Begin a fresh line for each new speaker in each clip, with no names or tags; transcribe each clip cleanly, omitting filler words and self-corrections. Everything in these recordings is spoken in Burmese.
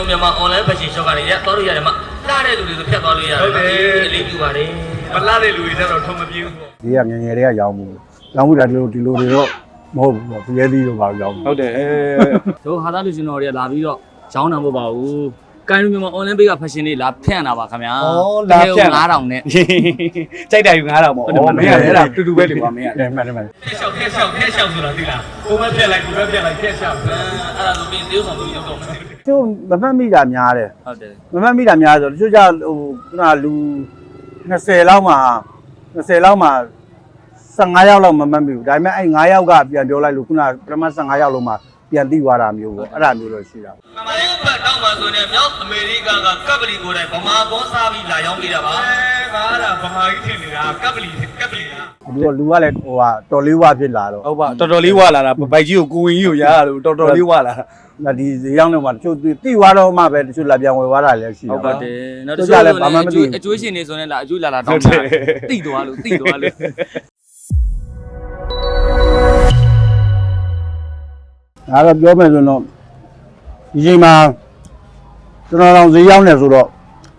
တို့မြန်မာ online fashion shop ကနေရသွားလို့ရတယ်မှာလာတဲ့လူတွေဆိုဖြတ်သွားလို့ရတယ်ဟုတ်တယ်အလေးပြုပါတယ်မလာတဲ့လူတွေကျတော့ထုံမပြေဘူးပေါ့
ဒီကငငယ်တွေကရောင်းမှုတာဒီလိုတွေတော့မဟုတ်ဘူးပေါ့ပြဲသီးတို့ပါရောင်း
ဟုတ်တယ်
တို့ဟာသားလူရှင်တော်တွေကလာပြီးတော့ရောင်းတာမဟုတ်ပါဘူးကိုင်းလူမြန်မာ online page က fashion လေးလာဖြန့်တာပါခင်ဗျာ
လာဖြန့်
9000နဲ့
ကြိုက်တယ်ယူ9000ပေါ့မင်းရတယ်အဲ့ဒါတူတူပဲလေကွာမင်းရတယ်
မှန်
ဖက်လျှောက်ဆိုတာသိလားကိုမဖြက်လိုက်ကိုပဲဖြက်လိုက်ဖက်လျှောက်အဲ့ဒါဆိုပြီးတေးဆောင်လို့ရောက်တော့မယ်
ကျိုးမမှတ်မိတာများတယ်
ဟုတ်တယ်
မမှတ်မိတာများဆိုတချို့ကြဟိုခုနလူ20လောက်မှာ15ယောက်လောက်မမှတ်မိဘူးဒါပေမဲ့အဲ့9ယောက်ကပြန်ပြောလိုက်လို့ခုနပထမ15ယောက်လုံးမှာပြန်သိသွားတာမျိုးပေါ့အဲ့ဒါမျိုးတော့ရှိတာ
ပေါ့မမလေးဘတ်တောင်းပါဆိုနေမြောက်အမေရိကကကပ်ပလီကိုယ်တိုင်ဗမာဘောစားပြီးလာရောက်နေတာပါငါအဲ့ဒါဗမာကြီးထင်နေတာကပ်ပလီလား
လူကလည်းဟိုဟာတော်လေးဝဖြစ်လာတော့
ဟုတ်ပါတော်တော်လေးဝလာတာဘိုက်ကြီးကိုကိုဝင်ကြီးကိုရရလို့တော်တော်လေးဝလာ
တာဒီဈေးရောက်တော့မှတချို့တိသွားတော့မှပဲတချို့လာပြန်ဝယ်သွားတာလည်းရှိ
တယ်ဟုတ်ပါတယ်နောက်တချို့လည်းဘာမှမသိအကျွေးရှင်နေဆိုရင်လားအကျွေးလာတောင်းတာတိသွားလို့
အဲ့တော့ပြောမယ်ဆိုတော့ဒီချိန်မှာကျွန်တော်တို့ဈေးရောက်နေဆိုတော့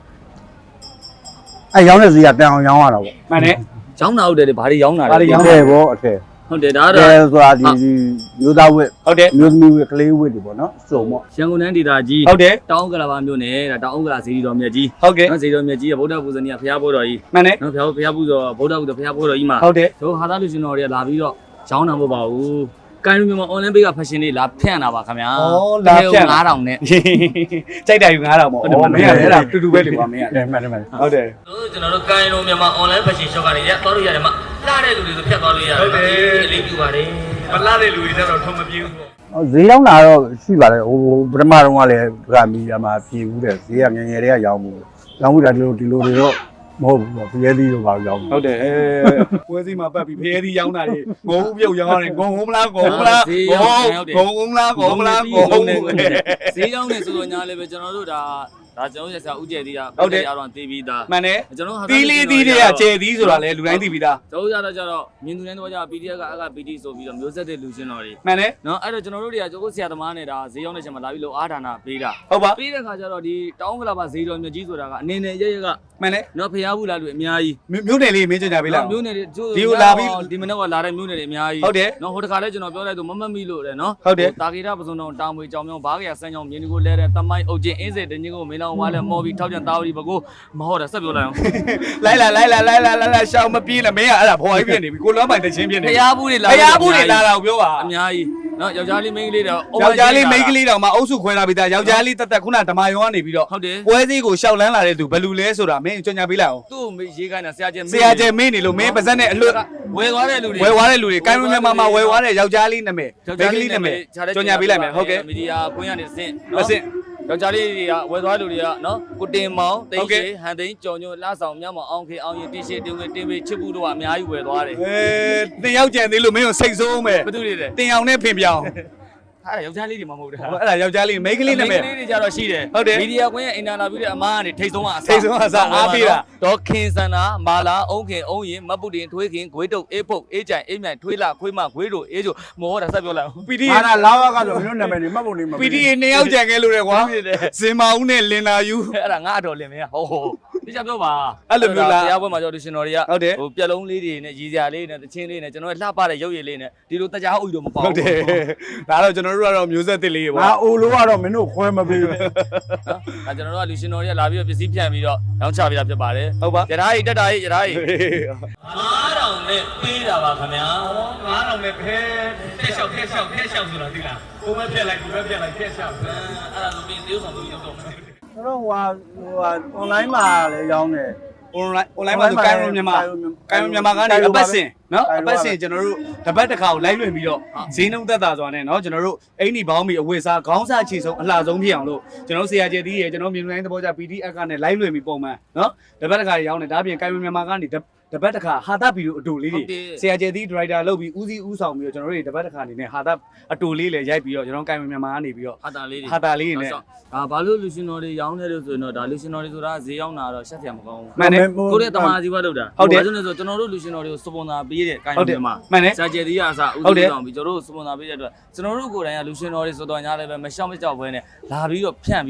အဲ့ရောက်နေဈေးကတန်အောင်ရောင်းရတာပေါ့
မှန်တယ်
ရောင်းတာဟုတ်တယ်ဘာတွေရောင်းတာ
လဲရောင်းတယ်ပေါ့အထက်
ဟုတ်တယ်ဒါတော့
ဆိုတာဒီမျိုးသားဝက်
ဟုတ်တယ်
မျိုးသမီးဝက်ကလေးဝက်တွေပေါ့နော်စုံပေါ့
ရန်ကုန်တိုင်းဒေသကြီး
ဟုတ်တယ်
တောင်ကလာပါမြို့နယ်ဒါတောင်ကလာဇီရီတော်မြတ်ကြီး
ဟုတ်ကဲ့
နော်ဇီရီတော်မြတ်ကြီးကဗုဒ္ဓပူဇနီကဖျားဖို့တော်ကြီး
မှန်တယ်
နော်ဖျားဖို့တော်ဗုဒ္ဓပူဇဖျားဖို့တော်ကြီးမှာ
ဟုတ်တယ်
တို့ဟာသားလူရှင်တော်တွေကလာပြီးတော့ရောင်းတာမဟုတ်ပါဘူးကိုင်းလူမြန်မာ online page က fashion လေးလာဖြန့်တာပါခင်ဗျာ
လာဖြန့်
9000နဲ့
ကြိုက်တယ်ယူ9000ပေါ့မင်းရတယ်အဲ့ဒါတူတူပဲလေကွာမင်းရတယ်
မှန်တယ်
ဟုတ်တယ်
ကျွန်တော်တို့ကိုင်းလူမြန်မာ online fashion shop ကနေရသွားလို့ရတယ်မှာလာတဲ့လူတွေဆိုဖြတ်သွားလို့ရတယ်ဟုတ်တယ်အလေးပြုပါတယ်မလာတဲ့လူတွေကျတော့ထုံမပြေဘူးပေါ့
ဈေးရောက်လာတော့ရှိပါတယ်ဟိုပထမတော့ကလည်းဗာမီယာမှာပြေဘူးတဲ့ဈေးကငငယ်တွေကရောင်းမှုတာဒီလိုတွေတော့မဟုတ်ဘူးပေါ့ပြဲသီးတို့ပါရောင်း
ဟုတ်တယ်ပွဲစီမှာပတ်ပြီးဖျဲသီးရောင်းတာတွေငုံပြုတ်ရောင်းရတယ်ငုံမလားငုံမလားငုံမလား
ဈေးရောက်နေဆိုတော့ညာလည်းပဲကျွန်တော်တို့ဒါကျွန်တော်ရဆရာဦးကျဲသီးက
ဟုတ်တယ်
အားတော့သိပြီးသား
မှန်တယ်
ကျွန်တော်ဟာ
သီးလေးသီးတွေကကျဲသီးဆိုတာလေလူတိုင်းသိပြီးသား
ကျွန်တော်ကြတော့မြင်သူတိုင်းတော့ကြ PDF ကအက PD ဆိုပြီးတော့မျိုးဆက်တဲ့လူချင်းတော်တွေ
မှန်တယ်
နော်အဲ့တော့ကျွန်တော်တို့တွေကကျွန်တော်ဆရာသမားနဲ့ဒါဈေးရောက်နေချိန်မှာလာပြီးလို့အားဒါနာပေးတာ
ဟုတ်ပါ
ပေးတဲ့ခါကျတော့ဒီတောင်းကလာပါဈေးတော်မြတ်ကြီးဆိုတာကအနေနဲ့ရရက
မှန်တယ်
နော်ဖျားဘူးလားလူအများကြီး
မြို့နယ်လေးမင်းကြပေးလား
မြို့နယ်တွေ
ဒီကိုလာပြီး
ဒီမနေ့ကလာတဲ့မြို့နယ်တွေအများကြီး
ဟုတ်တယ်
နော်ဟိုတခါလဲကျွန်တော်ပြောလိုက်သူမမမိလို့တယ်နော်
ဟုတ်တယ်
တာဂီရပစုံတော်တာမွေကြောင်မြောင်းဘားကရဆန်းကြောင်မြင်းဒီကိုလဲတဲ့တမိုင်းအုပ်ချင်းအင်းစေတင်းကြီးကိုမင်းလောင်ဝါလဲမော်ပြီးထောက်ကြံတာဝတီဘကိုမဟုတ်တာဆက်ပြောလိုက်အောင်
လိုက်လာရှောင်းမပြေးနဲ့မင်းကအဲ့ဒါဖော်ကြီးပြနေပြီကိုလွမ်းပိုင်တချင်းပြနေ
ဖျားဘူးတွေလာ
တာကိုပြောပါ
အများကြီးနော်ယောက်ျားလေးမိန်းကလေးတော့
ယောက်ျားလေးမိန်းကလေးတော့မှအုပ်စုခွဲလာပြီးသားယောက်ျားလေးတက်ခုနဓမ္မယောကနေပြီးတော့
ဟုတ်တယ်
ပွဲစည်းကိုရှောက်လန်းလာတဲ့သူဘယ်လူလဲဆိုတာမင်းကြွညာပေးလိုက်အောင်
သူ့ကိုရေးခိုင်းတာဆရာ
ကျဲမင်းနေလို့မင်းပါဇက်နဲ့အလွတ်
ဝယ်သွားတဲ့လူ
တွေကိုင်းဝင်မြန်မာဝယ်သွားတဲ့ယောက်ျားလေးနာမည်မိန်းကလေးနာမည်ကြွညာပေးလိုက်မယ်ဟုတ်ကဲ့
မီဒီယာကွင်းကနေအဆင့်ယောက်ျားလေးတွေကဝယ်သွားလူတွေကနော်ကိုတင်မောင်တိတ်ရှိဟန်သိန်းကြော်ညိုလှဆောင်မြတ်မောင်အောင်ခေအောင်ရင်တီရှေတင်ဝင်တင်ပေးချစ်ဘူးတို့ကအများကြီးဝယ်သွားတယ်
တင်ရောက်ကြံသေးလို့မင်းကိုစိတ်ဆိုးမယ်
ဘာတူတွေလဲ
တင်အောင်နဲ့ဖင်ပြောင်း
အဲ့ဒါယောက်ျားလေးတွေမှမဟုတ်တာ
အဲ့ဒါယောက်ျားလေးမိန်းကလေးနာမည်
မိန်းကလေးတွေကြတော့ရှိတယ်မီဒီယာကွင်းရဲ့အင်တာဗျူးတဲ့အမားကနေထိတ်ဆုံးကအ
စားအားပေးတာ
ဒေါ်ခင်စန္ဒာမာလာအုံးခင်အုံးရင်မပုတင်ထွေးခင်ဂွေးတုတ်အေးဖုတ်အေးကြိုင်အေးမြိုင်ထွေးလာခွေးမဂွေးတို့အေးချိုမောတာဆက်ပြောလိုက်အောင်
PD
ဟာလာဝကတော့မင်းတို့နာမည်နေမှတ်ဖို့နေမှာ
PD နေရောက်ကြံခဲ့လို့တယ်ကွာစင်မာဦးနဲ့လင်လာယူ
အဲ့ဒါငါအတော်လင်မင်းဟိုဒီချက်ပြောပါ
အဲ့လိုမျိုးလား
တရားပွဲမှာကျွန်တော်ရှင်တော်တွေက
ဟို
ပြက်လုံးလေးတွေနဲ့ရည်စရာလေးနဲ့တချင်းလေးနဲ့ကျွန်တော်လှပတဲ့ရုပ်ရည်လေးနဲ့ဒီလိုတရားဥတို့မပေါ့
ဟုတ်တယ်ဒါတော့ကျွန်တော်တို့ကတော့မျိုးဆက်တစ်လေး
ပေါ့ငါအိုလိုကတော့မင်းတို့ခွဲမပေးဘူး
နော်ဒါကျွန်တော်တို့ကလူရှင်တော်တွေကလာပြီးတော့ပစ္စည်းဖြန့်ပြီးတော့ရောင်းချပေးတာဖြစ်ပါတယ်
ဟုတ်ပါ
ရထားကြီးတက်တာကြီးရထားကြီး
9000နဲ့ပေးတာပါခင်ဗျာ9000နဲ့ဖဲဖက်လျှောက်ဆိုတာသိလားကိုမဖြက်လိုက်ကိုပဲဖြက်လိုက်ဖက်လျှောက်အဲ့ဒါဆိုပြီးတေးဆောင်လို့ရောက်တော့မယ်
ကျွန်တော်ဟို online မှာလည်းရောင်းတယ်
online မှာဆိုကိုင်းရမြန်မာကနေအပတ်စဉ်နော်အပတ်စဉ်ကျွန်တော်တို့တပတ်တစ်ခါကိုလိုက်လွှင့်ပြီးတော့ဈေးနှုန်းသက်သာစွာနဲ့နော်ကျွန်တော်တို့အိမ်ဒီဘောင်းမီအဝတ်စားခေါင်းစားချီဆုံးအလှဆုံးဖြစ်အောင်လို့ကျွန်တော်ဆရာကျဲသီးရယ်ကျွန်တော်မြေလူတိုင်းသဘောကျ PDF ကနေလိုက်လွှင့်ပြီးပုံမှန်နော်တပတ်တစ်ခါရောင်းတယ်ဒါပြင်ကိုင်းမြန်မာကနေတပတ်တစ်ခါဟာတာဗီဒီယိုအတူလေးတွေဆရာကျဲသီးဒရိုက်တာလုပ်ပြီးဦးစီးဦးဆောင်ပြီးတော့ကျွန်တော်တို့တပတ်တစ်ခါအနေနဲ့ဟာတာအတူလေးလည်းရိုက်ပြီးတော့ကျွန်တော်ကိုင်းမြန်မာကနေပြီးတော့
ဟာတာလေး
တွေနဲ့
ဒါဘာလို့လူရှင်တော်တွေရောင်းနေလို့ဆိုရင်တော့ဒါလူရှင်တော်တွေဆိုတာဈေးရောက်တာတော့ရှက်စရာမကောင်းဘူး
မှန်တယ်
ကိုယ့်ရဲ့တမာစီဘတ်လုပ်တာ
ဟုတ်တယ်
ဆိုတော့ကျွန်တော်တို့လူရှင်တော်တွေကိုစပွန်ဆာပေးတဲ့ကိုင်းမြန်မာ
မှန်တယ်
ဆာကျဲသီးကအစားဦးစီးဆောင်ပြီးကျွန်တော်တို့စပွန်ဆာပေးတဲ့အတွက်ကျွန်တော်တို့ကိုယ်တိုင်ကလူရှင်တော်တွေဆိုတော့ညာလည်းပဲမရှောက်မကြောက်ဘဲနဲ့လာပြီးတော့ဖြန့်ပြီးတော့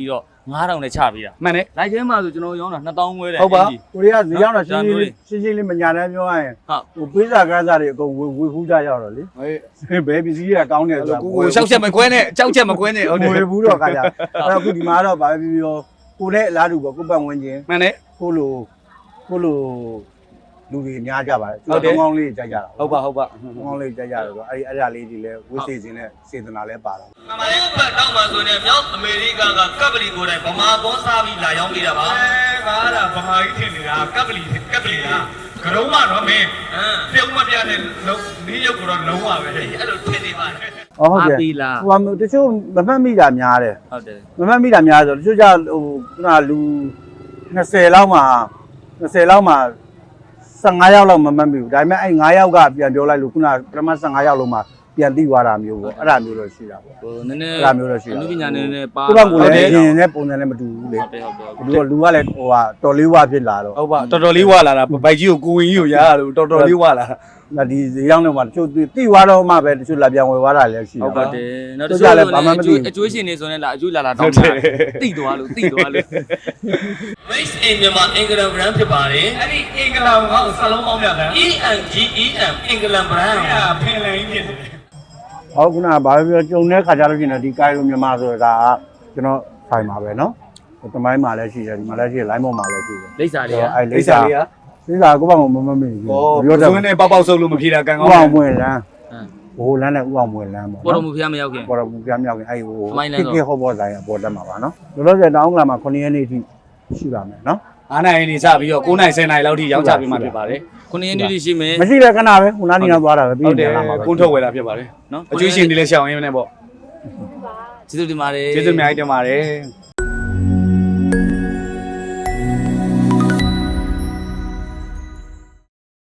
9000နဲ့ချပေးတာ
မှန်တယ်
လိုက်ထဲမှာဆိုကျွန်တော်ရောင်းတာ2000ခွဲတယ်
ဟုတ်ပါ
ကိုရီးယားဈေးရောက်တာရှင်းရှင်းလေးမညာနဲ့ပြောရရင်ဟိုပေးစာကန်းစာတွေအကုန်ဝေဖူးကြရောက်တော့လေ
ဟေး
ဘယ်ပစ္စည်းတွေကကောင်းတယ်ဆိုတာ
ကိုရှောက်ချက်မကွဲနဲ့ကြောက်ချက်မကွဲနဲ့ဟုတ်တယ်
ဝေဖူးတော့ခါကြအဲ့တော့အခုဒီမှာတော့ဗာပဲပြောကိုနဲ့အလားတူပေါ့ကိုပတ်ဝန်းကျင်
မှန်တယ်
ကိုလိုလူတွေအများကြပါတယ်ကောင်းလေးကြကြတာ
ဟုတ်ပါ
ကောင်းလေးကြကြတော့အဲ့ဒါလေးတွေလည်းဝိသေစင်နဲ့စေတနာလည်းပါတော့
။မှန်ပါရဲ့။ဘတ်တော့မှဆိုရင်မြောက်အမေရိကန်ကကပ်ပလီကိုယ်တိုင်ဗမာဘောစားပြီးလာရောက်ပေးတာပါ။ငါကဗမာကြီးထင်နေတာကပ်ပလီလားကရုံးမတော့မင်းပြုံးမပြတဲ့လုံးဒီရုပ်ကတော့လုံးဝပဲ။အဲ့လိုထင်နေပါတယ်။
ဟုတ်ကဲ့
ပြီလား
ဟိုတချို့မမှတ်မိတာများတယ်
ဟုတ်တယ်
မမှတ်မိတာများဆိုတချို့ကြဟိုခုနလူ20လောက်မှာ15ယောက်လောက်မမှတ်မိဘူးဒါပေမဲ့အဲ့9ယောက်ကပြန်ပြောလိုက်လို့ခုနပထမ15ယောက်လုံးမှာပြန်သိသွားတာမျိုးပေါ့အဲ့ဒါမျိုးတော့ရှိတာပေါ့
ဟိုနည်းနည်း
အဲ့ဒါမျိုးတော့ရှိတာ
အနုပညာနည်းနည်းပါ
သူ့ဘက်ကလည်းရင်နဲ့ပုံစံနဲ့မတူဘူးလေ
ဟုတ်တယ်
လူကလည်းဟိုဟာတော်လေးဝဖြစ်လာတော့
ဟုတ်ပါတော်တော်လေးဝလာတာဘိုက်ကြီးကိုကိုဝင်ကြီးကိုရရလို့တော်တော်လေးဝလာ
ဒါဒီဈေးရောက်တော့မှတချို့သိသွားတော့မှပဲတချို့လာပြန်ဝယ်သွားတာလည်းရှိ
ဟုတ်
တာ
ပါတယ်နောက်တစ်ခုလည်းအကျွေးရှင်နေဆိုရင်လာအကျွေးလာတောင်းတာတိသွားလို့
Race in မြန်မာအင်္ဂလန် brand ဖြစ်ပါတယ်။အဲ့ဒီအင်္ဂလန်ကစလုံးပေါင်းပြတယ်။ ENGEM အင်္ဂလန် brand ဖင်လန်ကြီးဖြစ်တယ်
ဟုတ်ခုနကဘာပဲပြောကြုံတဲ့ခါကြလို့ရှိရင်ဒီကိုင်လိုမြန်မာဆိုတာကကျွန်တော်ဆိုင်ပါပဲเนาะတမိုင်းမှာလည်းရှိတယ်ဒီမှာလည်းရှိတယ် line ပေါ်မှာလည်းရှိတယ်
လိပ်စာတွေက
အဲ့လိပ်စာကိုပေါ့မမေ့ဘူး
ပြောတယ်ဇွန်းနဲ့ပေါက်ဆုပ်လို့မဖြေတာကံကော
ဥ
င်း
အောင်မွေလန်းဘိုးလန်းနဲ့ဥအောင်မွေလန်းပေါ့
ပေါ်တော်မူဖျားမရောက်ခင်
ပေါ်တော်မူပြမြောက်ရင်အဲ့ဟိုခေဟောဘောဆိုင်အပေါ်တက်မှာပါเนาะလောလောဆယ်တောင်းကလာမှာ9ရက်နေ့ထိရှိပါမယ်เนาะ
9နိုင်နေစပြီးတော့9နိုင်10နိုင်လောက်ထိရောက်ချပေးမှဖြစ်ပါတယ်
9ရက်နေ့တိရှိမယ်
မရှိတဲ့ခဏပဲခုနားနေတော့သွားတာပဲပြီး
ဟုတ်တယ်
လာမှာပဲ
ကုန်းထုတ်ဝယ်တာဖြစ်ပါတယ်နော်အကျွေးရှင်တွေလည်းရှောင်ရင်းနဲ့ပေါ့
ကျေးဇူးတင်ပါတယ်
ကျေးဇူးအများကြီးတင်ပါတယ်